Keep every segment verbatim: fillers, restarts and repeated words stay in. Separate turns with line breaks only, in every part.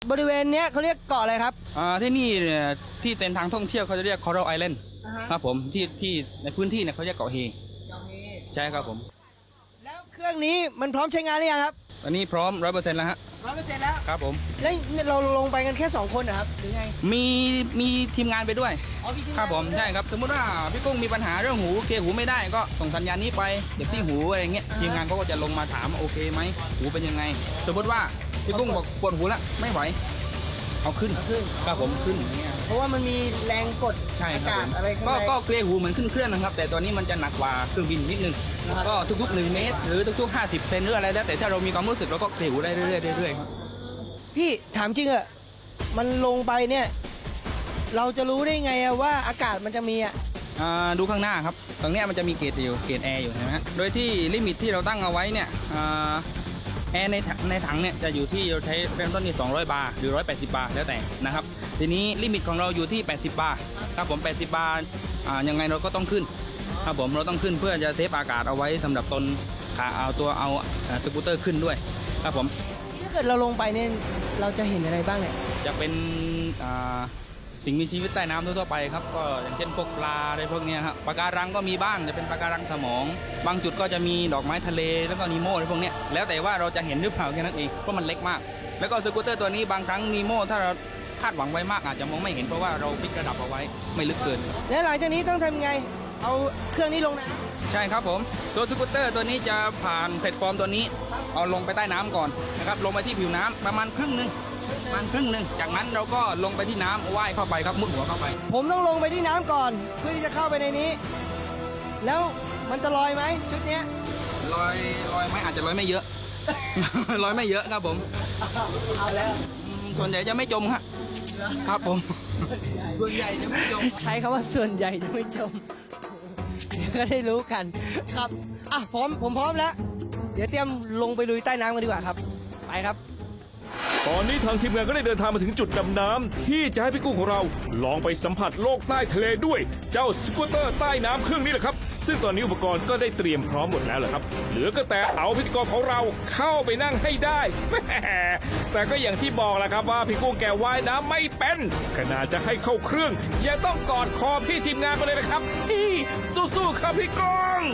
บริเวณเนี้ยเขาเรียกเกาะอะไรครับ
อ่าที่นี่เนี่ยที่เป็นทางท่องเที่ยวเขาจะเรียก Coral Island ครับผมที่ที่ในพื้นที่เนี่ยเขาเรียกเกาะเฮใช่ครับผม
แล้วเครื่องนี้มันพร้อมใช้งานหรือยังครับ
อันนี้พร้อมร้อยเปอร์เซ็นต์แล้วฮะ
ร้อยเปอร์เซ็นต์แล้ว
ครับผม
แล้วเราลงไปกันแค่สองคนนะครับหรือไง
มีมีทีมงานไปด้วย
อ๋อมีทีมงาน
ครับผมใช่ครับสมมติว่าพี่กุ้งมีปัญหาเรื่องหูเคลียร์หูไม่ได้ก็ส่งสัญญาณนี้ไปเดี๋ยวที่หูอะไรเงี้ยทีมงานเขาก็จะลงมาถามโอเคไหมหูเป็นยังไงสมมติว่าพี่กุ้งบอกปวดหูแล้วไม่ไหวเอาขึ้นครับผมขึ้นอย่างเงี้ย
เพราะว่ามันมีแรงกดอากาศอะไรข้างใน
ก็เคลียร์หูเหมือนขึ้นเครื่องนะครับแต่ตอนนี้มันจะหนักกว่าเครื่องบินนิดนึงก็ทุกๆหนึ่งเมตรหรือทุกๆห้าสิบเซนหรืออะไรแล้วแต่ถ้าเรามีความรู้สึกเราก็เคลียร์หูได้เรื่อยๆเรื่อยๆครับ
พี่ถามจริงอะมันลงไปเนี่ยเราจะรู้ได้ไงอะว่าอากาศมันจะมีอะ
ดูข้างหน้าครับตรงนี้มันจะมีเกจอยู่เกจแอร์อยู่ใช่ไหมฮะโดยที่ลิมิตที่เราตั้งเอาไว้เนี่ยแอร์ในในถังเนี่ยจะอยู่ที่เราใช้เริ่มต้นที่สองร้อยบาร์หรือหนึ่งร้อยแปดสิบบาร์แล้วแต่นะครับทีนี้ลิมิตของเราอยู่ที่แปดสิบบาร์ครับผมแปดสิบบาร์ยังไงเราก็ต้องขึ้นครับผมเราต้องขึ้นเพื่อจะเซฟอากาศเอาไว้สำหรับตนขาเอาตัวเอาสกูตเตอร์ขึ้นด้วยครับผม
ถ้าเกิดเราลงไปเนี่ยเราจะเห็นอะไรบ้างเนี่ย
จะเป็นสิ่งมีชีวิตใต้น้ำทั่วไปครับก็อย่างเช่นพวกปลาอะไรพวกนี้ครับปะการังก็มีบ้างจะเป็นปะการังสมองบางจุดก็จะมีดอกไม้ทะเลแล้วก็นีโม่อะไรพวกนี้แล้วแต่ว่าเราจะเห็นหรือเปล่าแค่นั้นเองเพราะมันเล็กมากแล้วก็สกูตเตอร์ตัวนี้บางครั้งนีโม่ถ้าเราคาดหวังไว้มากอาจจะมองไม่เห็นเพราะว่าเราปิดระดับเอาไว้ไม่ลึกเกิน
แล้วหลังจากนี้ต้องทำไงเอาเครื่องนี้ลงน้
ำใช่ครับผมตัวสกูตเตอร์ตัวนี้จะผ่านแพลตฟอร์มตัวนี้เอาลงไปใต้น้ำก่อนนะครับลงไปที่ผิวน้ำประมาณครึ่งนึงประมาณครึ่งหนึ่งจากนั้นเราก็ลงไปที่น้ำว่ายเข้าไปครับมุดหัวเข้าไป
ผมต้องลงไปที่น้ำก่อนเพื่อที่จะเข้าไปในนี้แล้วมันจะลอยไหมชุดเนี้ย
ลอยลอยไหมอาจจะลอยไม่เยอะ ลอยไม่เยอะครับผม
เอาแล้ว
ส่วนใหญ่จะไม่จมครับครับผมส่วนใหญ่จะไม่จม
ใช้คำว่าส่วนใหญ่จะไม่จมเดี๋ยวก็ได้รู้กันครับอ่ะพร้อมผมพร้อมแล้วเดี๋ยวเตรียมลงไปลุยใต้น้ำกันดีกว่าครับไปครับ
ตอนนี้ทางทีมงานก็ได้เดินทางมาถึงจุดดำน้ำที่จะให้พี่กุ้งของเราลองไปสัมผัสโลกใต้ทะเลด้วยเจ้าสกูตเตอร์ใต้น้ำเครื่องนี้แหละครับซึ่งตอนนี้อุปกรณ์ก็ได้เตรียมพร้อมหมดแล้วแหละครับเหลือก็แต่เอาพิธีกรของเราเข้าไปนั่งให้ได้แหมแต่ก็อย่างที่บอกแหละครับว่าพี่กุ้งแกว่ายน้ำไม่เป็นขนาดจะให้เข้าเครื่องยังต้องกอดคอพี่ทีมงานไปเลยนะครับพี่สู้ๆครับพี่กุ้ง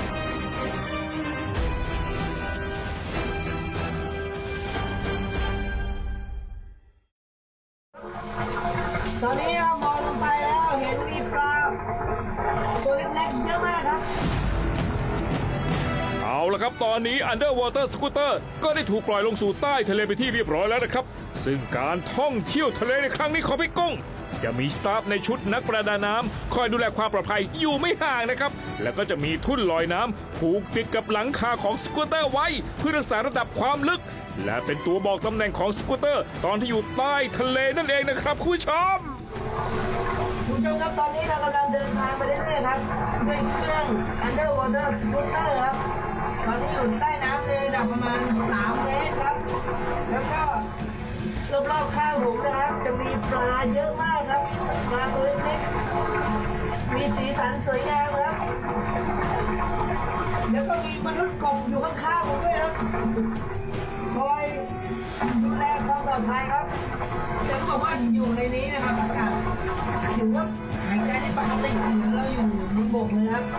ตอนนี้เรามองลงไปแล้วเห็นมีปลาตัวเล็กๆเยอะมากครับ
เอาละครับตอนนี้ Underwater Scooter ก็ได้ถูกปล่อยลงสู่ใต้ทะเลไปที่เรียบร้อยแล้วนะครับซึ่งการท่องเที่ยวทะเลในครั้งนี้ของพี่กุ้งจะมีสตาฟในชุดนักประดาน้ำคอยดูแลความปลอดภัยอยู่ไม่ห่างนะครับแล้วก็จะมีทุ่นลอยน้ำผูกติดกับหลังคาของสกูตเตอร์ไว้เพื่อรักษาระดับความลึกและเป็นตัวบอกตำแหน่งของสกูตเตอร์ตอนที่อยู่ใต้ทะเลนั่นเองนะครับคุณผู้ชม
คุณผู้ชมครับตอนนี้เรากำลังเดินทางไปเรื่อยๆครับด้วยเครื่อง Underwater Scooter ครับตอนนี้อยู่ใต้น้ำในระดับประมาณสามเมตรครับแล้วก็รอบๆข้างผมนะครับจะมีปลาเยอะมากครับปลาตัวเล็กๆมีสีสันสวยงามครับแล้วก็มีมนุษย์กบอยู่ข้างๆผมด้วยครับคอยดูแลความปลอดภัยครับจะบอกว่าอยู่ในนี้นะครับอากาศถือว่าหายใจได้ปกติเหมือนเราอยู่บนบกเลยครับ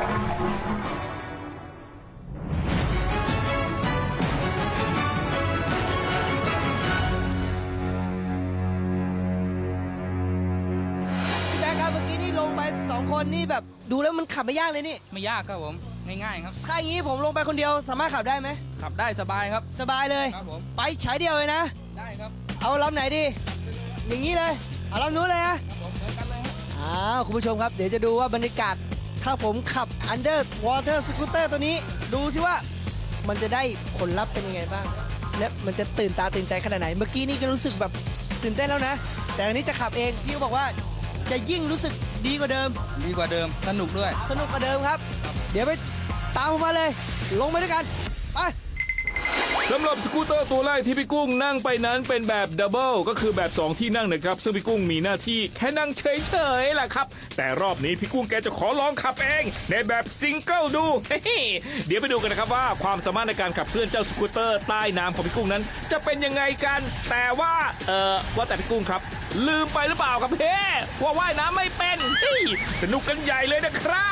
พี่แบ๊คครับเมื่อกี้นี่ลงไปสองคนนี่แบบดูแล้วมันขับไม่ยากเลยนี่
ไม่ยากครับผมง่ายๆครับ
ถ้าอย่างนี้ผมลงไปคนเดียวสามารถขับได้ไหม
ขับได้สบายครับ
สบายเลย
ครับผม
ไปฉายเดียวเลยนะ
ได้ครับ
เอาลำไหนดีอย่างนี้เลยเอาลำนู้นเลยนะ
ผมเหมือนกันเลย
อ้าวคุณผู้ชมครับเดี๋ยวจะดูว่าบรรยากาศถ้าผมขับ Underwater Scooter ตัวนี้ดูสิว่ามันจะได้ผลลัพธ์เป็นยังไงบ้างและมันจะตื่นตาตื่นใจขนาดไหนเมื่อกี้นี่ก็รู้สึกแบบตื่นเต้นแล้วนะแต่อันนี้จะขับเองพี่บอกว่าจะยิ่งรู้สึกดีกว่าเดิม
ดีกว่าเดิมสนุกด้วย
สนุกกว่าเดิมครับเดี๋ยวไปตามผมมาเลยลงไปด้วยกันไป
สำหรับสกูตเตอร์ตัวแรกที่พี่กุ้งนั่งไปนั้นเป็นแบบดับเบิลก็คือแบบสองที่นั่งนะครับซึ่งพี่กุ้งมีหน้าที่แค่นั่งเฉยๆแหละครับแต่รอบนี้พี่กุ้งแกจะขอลองขับเองในแบบซิงเกิลดู เฮ้เดี๋ยวไปดูกันนะครับว่าความสามารถในการขับเคลื่อนเจ้าสกูตเตอร์ใต้น้ำของพี่กุ้งนั้นจะเป็นยังไงกันแต่ว่าเออว่าแต่พี่กุ้งครับลืมไปหรือเปล่าครับเฮ้ว่าว่ายน้ำไม่เป็นเฮ้ยสนุกกันใหญ่เลยนะครับ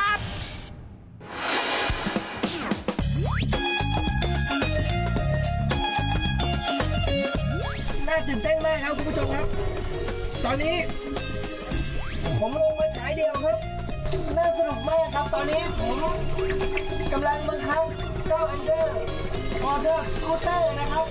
น่าตื่นเต้นมากครับคุณผู้ชมครับ ตอนนี้ ผมลงมาฉายเดียวครับ น่าสนุกมากครับ ตอนนี้ผมกำลังบังคับเจ้าอันเดอร์วอเตอร์สกูตเตอร์นะครับ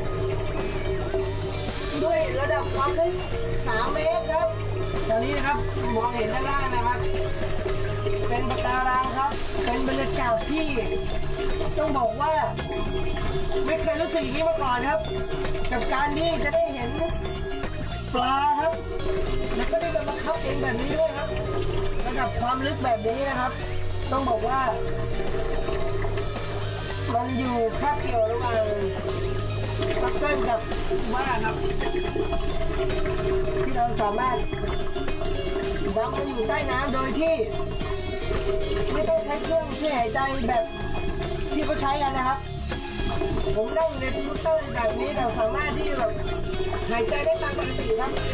ด้วยระดับความลึกสามเมตรครับ ตอนนี้นะครับมองเห็นด้านล่างนะครับ เป็นปะการังครับ เป็นบรรยากาศที่ต้องบอกว่า ไม่เคยรู้สึกอย่างนี้มาก่อนครับ กับการที่จะได้เห็นปลาครับ แล้วก็ได้มาบังคับเองแบบนี้ด้วยครับระดับความลึกแบบนี้นะครับ ต้องบอกว่า มันอยู่คาบเกี่ยวระหว่างปักเกิลกับบ้าครับ ที่เราสามารถดำมาอยู่ใต้น้ำโดยที่ ไม่ต้องใช้เครื่องช่วยหายใจแบบที่เขาใช้กันนะครับ ผมนั่งในสกูตเตอร์แบบนี้เราสามารถที่แบบหายใจได้ตามปกติครับ